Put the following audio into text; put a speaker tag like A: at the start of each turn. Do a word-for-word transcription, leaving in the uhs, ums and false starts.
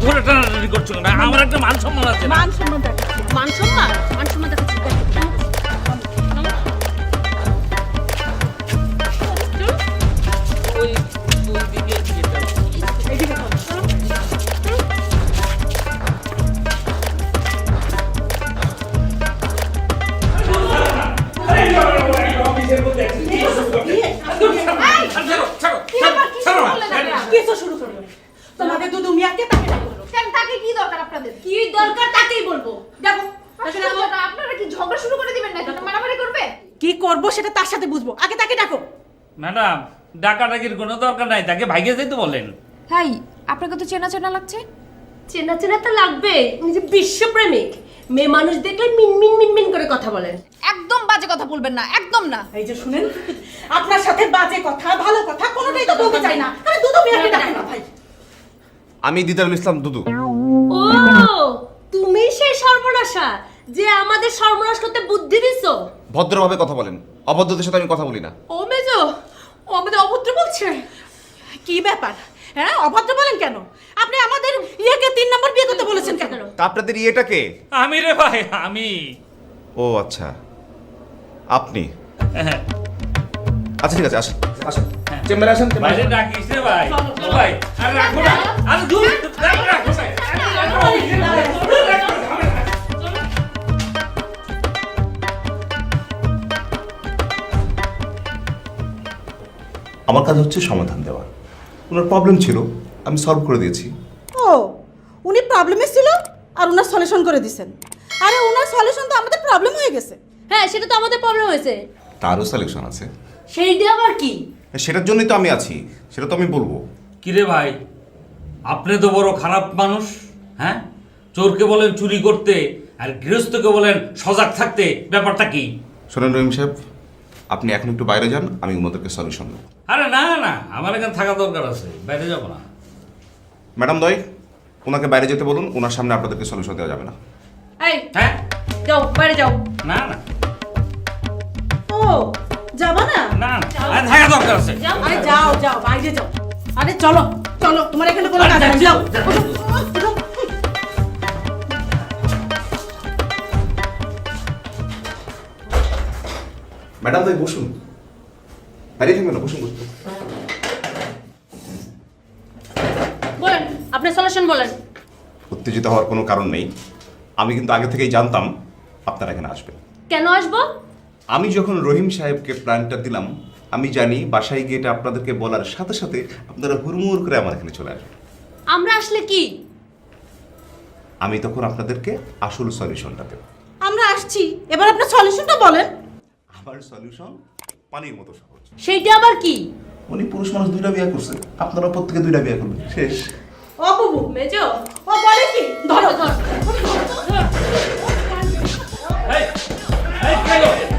A: ধরে টানাটানি করছো না? আমার একটা মান সম্মান আছে।
B: মান সম্মান দেখাচ্ছি,
C: মান সম্মান মান সম্মান দেখাচ্ছি।
A: ওই ওই দিকে যেতে হবে।
B: এইদিকে চলো, চলো।
A: ছাড়ো, ছাড়ো, ছাড়ো, ছাড়ো না।
B: কিছু শুরু করলো তোমাদের দুদু মিয়াকে তাকে ডাকো।
C: কেন তাকে কি দরকার আপনাদের? কি দরকার তাকেই বলবো।
B: দেখো
C: আশ্চর্য, আপনারা কি ঝগড়া শুরু করে দিবেন নাকি? মারামারি করবে?
B: কি করবো সেটা তার সাথে বুঝবো, আগে তাকে ডাকো।
A: ম্যাডাম, ডাকাডাকির কোনো দরকার নাই, তাকে ভাইগে যেতে বলেন।
D: হাই, আপনাকে তো চেনা চেনা লাগছে।
C: চেনা চেনা তো লাগবে, উনি যে বিশ্বপ্রেমিক। মেয়ে মানুষ দেখলে মিনমিন মিনমিন করে কথা বলেন।
D: একদম বাজে কথা বলবেন না, একদম না।
B: এই যে শুনেন, আপনার সাথে বাজে কথা ভালো কথা কোনোটাই তো বলতে চাই না। আরে দুদু মিয়াকে ডাকে না ভাই।
E: আমি দিদারুল ইসলাম দুদু।
C: ও, তুমি সেই সর্বনাশা যে আমাদের সর্বনাশ করতে বুদ্ধি দিছো।
E: ভদ্রভাবে কথা বলেন, অভদ্রদের সাথে আমি কথা বলি না।
B: ও মেজো, ও আমাদের অভদ্র বলছে। কি ব্যাপার? হ্যাঁ, অভদ্র বলেন কেন? আপনি আমাদের ইয়েকে তিন নম্বর বিয়ে করতে বলেছেন কেন?
E: তা আপনাদের ইয়েটা কে?
A: আমি রে ভাই, আমি।
E: ও আচ্ছা, আপনি। আচ্ছা ঠিক আছে, আসেন আসেন চেম্বারে আসেন।
A: বাইরে ডাকিস রে ভাই। ও ভাই, আরে রাখো না। আরে দূর, রাখো, রাখো ভাই।
E: আমার কাজ হচ্ছে সমাধান দেওয়া। ওনার প্রবলেম ছিল, আমি সলভ করে দিয়েছি।
B: ও, উনি প্রবলেমে ছিল আর ওনার সলিউশন করে দিয়েছেন। আরে ওনার সলিউশন তো আমাদের প্রবলেম হয়ে গেছে।
C: হ্যাঁ, সেটা তো আমাদের প্রবলেম হয়েছে।
E: তারও সলিউশন আছে,
C: সেইটা আবার কি?
E: সেটার জন্যই তো আমি আছি, সেটা তো আমি বলবো।
A: কিরে ভাই, আপনি তো বড় খারাপ মানুষ। হ্যাঁ, চোরকে বলেন চুরি করতে আর গৃহস্থকে বলেন সজাগ থাকতে, ব্যাপারটা কি?
E: শোনেন রহিম সাহেব, আপনি এখন একটু বাইরে যান, আমি ওনাদেরকে সলিউশন দেবো।
A: আরে না না, আমার এখানে থাকা দরকার আছে, বাইরে যাবো না।
E: ম্যাডাম দয়, ওনাকে বাইরে যেতে বলুন, ওনার সামনে আপনাদেরকে সলিউশন দেওয়া যাবে না।
C: এই,
A: হ্যাঁ,
C: যাও বাইরে যাও।
A: না না
B: ও, যাবা না?
A: না না, আরে থাকা দরকার আছে।
B: আরে যাও যাও, বাইরে যাও। আরে চলো চলো, তোমার এখানে কোনো কাজ নেই, যাও। ওঠো।
E: ম্যাডাম দয় বসুন, বাইরে থাকবেন না, বসুন বসুন।
C: বলেন, আপনি সলিউশন বলেন।
E: উত্তেজিত হওয়ার কোনো কারণ নেই, আমি কিন্তু আগে থেকেই জানতাম আপনারা এখানে আসবেন।
C: কেন আসবো?
E: আমি যখন রহিম সাহেবকে প্ল্যানটা দিলাম, আমি জানি বাসায় গিয়ে এটা আপনাদেরকে বলার সাথে সাথে আপনারা হুড়মুড় করে আমার এখানে চলে আসবেন।
C: আমরা আসলে কি?
E: আমি তখন আপনাদেরকে আসল সলিউশনটা দেব।
B: আমরা আসছি, এবার আপনার সলিউশনটা বলেন।
E: আমার সলিউশন পানির মতো সহজ।
C: সেইটা আবার কি?
E: উনি পুরুষ মানুষ দুইটা বিয়ে করছে, আপনারা প্রত্যেকে দুইটা বিয়ে করবেন, শেষ।
B: ও বুবু,
C: মেজো,
B: ও বলে কি? ধরো
C: ধর।
A: এই, এই, কি হলো?